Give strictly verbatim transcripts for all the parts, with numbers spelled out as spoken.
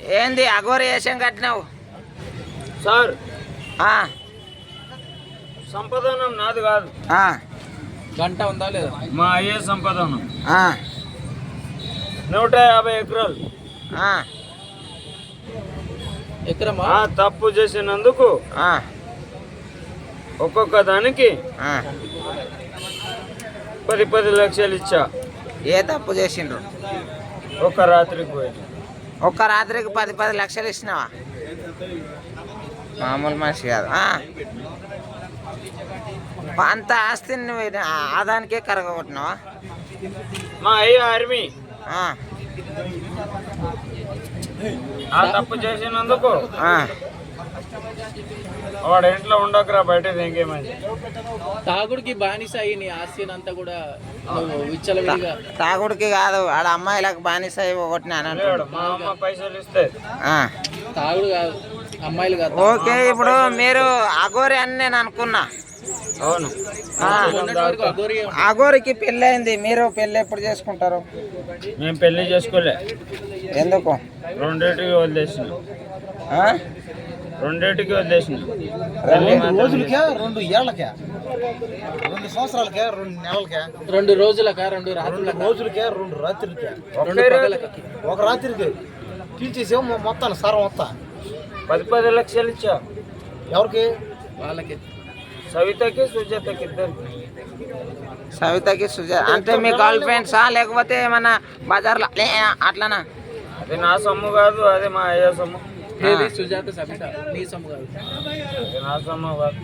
ఏంది అఘోరి వేషం కట్టినావు సార్? సంపాదనం నాది కాదు. గంట ఉందా లేదా? మా అయ్యే సంపాదనం. నూట యాభై ఎకరాలు ఎకరమా? తప్పు చేసినందుకు ఒక్కొక్క దానికి పది పది లక్షలు ఇచ్చా. ఏ తప్పు చేసిండ్రు? ఒక్క రాత్రికి పోయి ఒక్క రాత్రికి పది పది లక్షలు ఇచ్చినావా? మామూలు మనిషి కాదు. అంత ఆస్తిని నువ్వు ఆదానికే కరగొట్టినావా? మా అయ్య ఆర్మీ ఆ తప్పు చేసినందుకు వాడు ఇంట్లో ఉండకరా, బయట ఇంకేమైంది. తాగుడికి బానిస అయ్యి నీ ఆస్తి అంతా కూడా విచ్చలవిడిగా. తాగుడికి కాదు, ఆడ అమ్మాయిలకు బానిస అయ్యి ఒకటినాను. మా అమ్మ పైసలు ఇస్తే తాగుడు కాదు, అమ్మాయిలు కాదు. ఓకే, ఇప్పుడు మీరు అఘోరి అని నేను అనుకున్నా. అవును, అఘోరికి పెళ్ళి అయింది. మీరు పెళ్ళి ఎప్పుడు చేసుకుంటారు? మేము పెళ్లి చేసుకోలే. ఎందుకు? రెండేటికి వదిలేసిన. రెండేటికి వదిలేసిన. రోజులకే, రెండు ఏళ్ళకే, రెండు సంవత్సరాలకే, రెండు నెలలకే, రెండు రోజులకా, రెండు రాత్రుల రోజులకే, రెండు రాత్రులకే, ఒక రాత్రికి తీసేసేమో మొత్తాన్ని సారం మొత్తం పది పది లక్షలు ఇచ్చా. ఎవరికి? వాళ్ళకి. సవితకి సుజాతకి ఇద్దరికి. సవితకి సుజాత అంటే మీ గర్ల్ ఫ్రెండ్సా లేకపోతే ఏమన్నా బజార్లో అట్లానా? అది నా సొమ్ము కాదు, అది మా అయ్య సొమ్ము. సుజాత సవిత నీ సొమ్ము కాదు, అది నా సొమ్ము కాదు.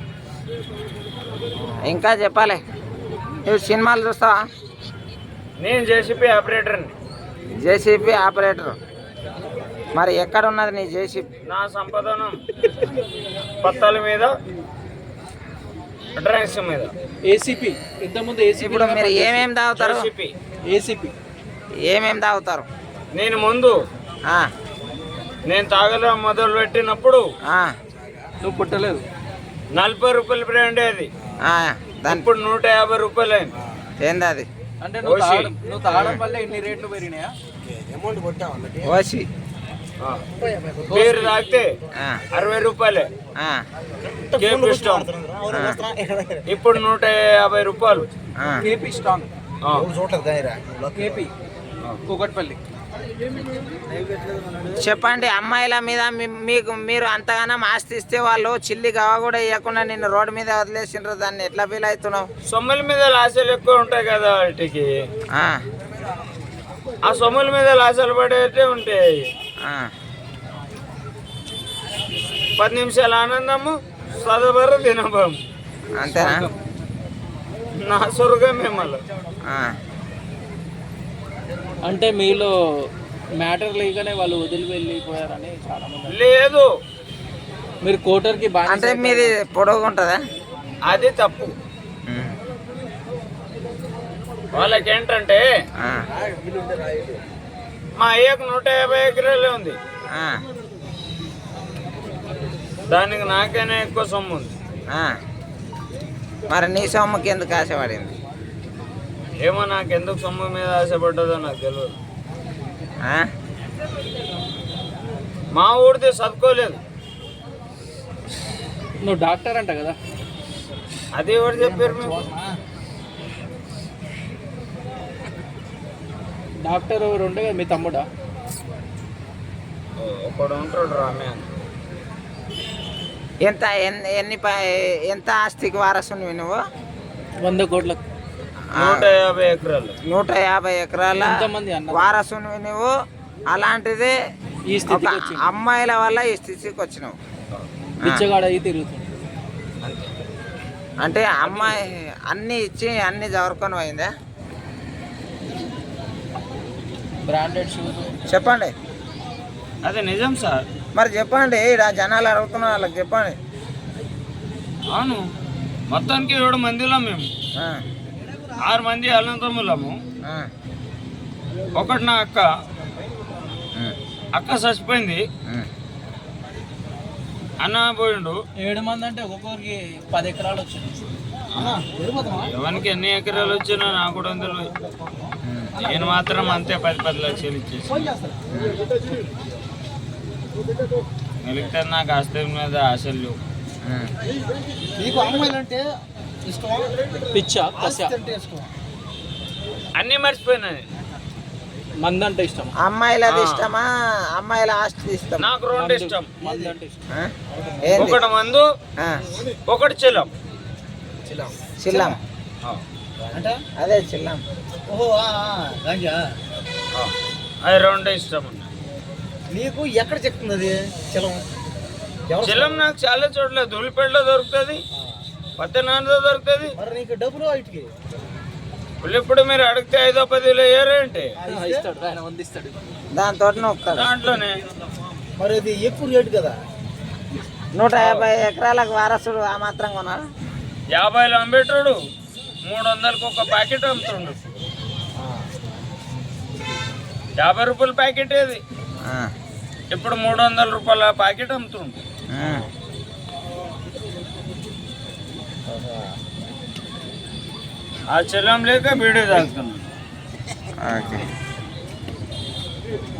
ఇంకా చెప్పాలి. నువ్వు సినిమాలు చూస్తావా? నేను జేసీపీ ఆపరేటర్ని. JCB operator. మరి ఎక్కడ ఉన్నది నీ జేసీపీ? నా సంపాదనం పత్తాల మీద, డ్రైన్స్ మీద. ఏసీపీ ఇంతకుముందు ఏసీపీ. ఇప్పుడు మీరు ఏమేమి తాగుతారు? ఏసీపీ ఏమేమి తాగుతారు? నేను ముందు నేను తాగలే మొదలు పెట్టినప్పుడు నువ్వు పుట్టలేదు. నలభై రూపాయలు బ్రాండ్ అది. ఇప్పుడు నూట యాభై రూపాయలు అయింది. ఏంది అది? అంటే నువ్వు తాగడం నువ్వు తాగడం వల్ల ఎన్ని రేట్లు పెరిగినాయా? అమౌంట్ కొట్టావు. ఓసి పేరు తాగితే అరవై రూపాయలే. ఇప్పుడు నూట యాభై రూపాయలు. KP strong KP Kukatpally. చెప్పండి, అమ్మాయిల మీద మీకు మీరు అంతగానం ఆస్తి ఇస్తే వాళ్ళు చిల్లి గవ కూడా ఇవ్వకుండా నిన్ను రోడ్డు మీద వదిలేసిండ్రు, దాన్ని ఎట్లా ఫీల్ అవుతున్నావు? సొమ్ముల మీద లాసలు ఎక్కువ ఉంటాయి కదా వాటికి. ఆ సొమ్ముల మీద లాసలు పడేటే ఉంటాయి. పది నిమిషాల ఆనందము, చదవరు దినభం. అంతేనా? నా స్వర్గమే మళ్ళీ. అంటే మీలో మ్యాటర్ లేకనే వాళ్ళు వదిలి వెళ్ళిపోయారని చాలా మంది. లేదు, మీరు కోటర్కి బాగా అంటే మీది పొడవుగా ఉంటుందా? అది తప్పు. వాళ్ళకి ఏంటంటే మా అయ్యకు నూట యాభై ఎకరాలే ఉంది, దానికి నాకైనా ఎక్కువ సొమ్ము ఉంది. మరి నీ సొమ్ముకి ఎందుకు ఆశపడింది? ఏమో, నాకు ఎందుకు సొమ్ము మీద ఆశపడ్డదో నాకు తెలియదు. మా ఊరిది చదువుకోలేదు. నువ్వు డాక్టర్ అంట కదా? అది ఎవరు చెప్పారు మీకు? డాక్టర్ ఎవరు ఉండే కదా, మీ తమ్ముడా? ఒకడు ఉంటాడు రామే. ఎంత ఎన్ని ఎంత ఆస్తికి వారసునివి నువ్వు? వంద కోట్లకు. నూట యాభై ఎకరాలు. నూట యాభై ఎకరాల వారసునివి నువ్వు. అలాంటిది ఈ స్థితికి అమ్మాయిల వల్ల ఈ స్థితికి వచ్చినావు. బిచ్చగాడ అయి తిరుగుతుంది. అంటే అమ్మాయి అన్ని ఇచ్చి అన్ని జవరుకొని పోయిందా? Branded shoes. చెప్పండి. అదే నిజం సార్. మరి చెప్పండి, ఇక్కడ జనాలు అడుగుతున్న వాళ్ళకి చెప్పండి. అవును, మొత్తానికి ఏడు మందిలో మేము ఆరు మంది అనంతములము. ఒకటి నా అక్క. అక్క చచ్చిపోయింది, అన్న పోయిండు. ఏడు మంది అంటే ఒక్కొక్కరికి పది ఎకరాలు వచ్చింది. ఎవరికి ఎన్ని ఎకరాలు వచ్చినా నాకు కూడా తెలియదు. నేను మాత్రం అంతే పది పది లక్షలు ఇచ్చేసి. మిగిలితే నాకు ఆస్తి మీద ఆశలు లేవు. ఉమ్. నీకు అమ్మాయిలు అంటే ఇష్టమా? పిచ్చా కస ఆస్తి అంటే ఇష్టమా? అన్నీ మర్చిపోయినాయి. మంది అంటే ఇష్టం, అమ్మాయిలది ఇష్టమా అమ్మాయిల ఆస్తి ఇష్టం? నాకు రెండు ఇష్టం. మంది అంటే ఇష్టం. ఆ? ఏంది? ఒకటి మందు, ఆ, ఒకటి చిలం. చిల్లం చిల్లం. అంటే అదే చిల్లం. ఓహో ఆ, ఆ, గాంజా. అది రెండు ఇష్టం. నీకు ఎక్కడ చెప్తుంది అది చిలం? ఎవరు చిలం నాకు చాలా చోట్ల ధూళిపేటలో దొరుకుతుంది, పత్తనాడులో దొరుకుతుంది. మరి నీకు డబ్బులు వాటికి ఇప్పుడు మీరు అడిగితే ఐదో పదిలో ఏరేంటి ఆ, ఇస్తాడు ఆయన వంద ఇస్తాడు. దాంతో నొక్కుతాడు. దాంట్లోనే మరి అది ఎక్కువ రేటు కదా. నూట యాభై ఎకరాలకు వారసుడు ఆ మాత్రం కొన్నాడు. యాభైలో అమ్మేటోడు మూడు వందలకు ఒక ప్యాకెట్ అమ్ముతుండు. యాభై రూపాయల ప్యాకెట్ ఏది ఆ, ఇప్పుడు మూడు వందల రూపాయల ప్యాకెట్ అమ్ముతుండు. ఆ. ఆ చెల్లం లేక బీడీ తాగుతున్నాడు. ఓకే.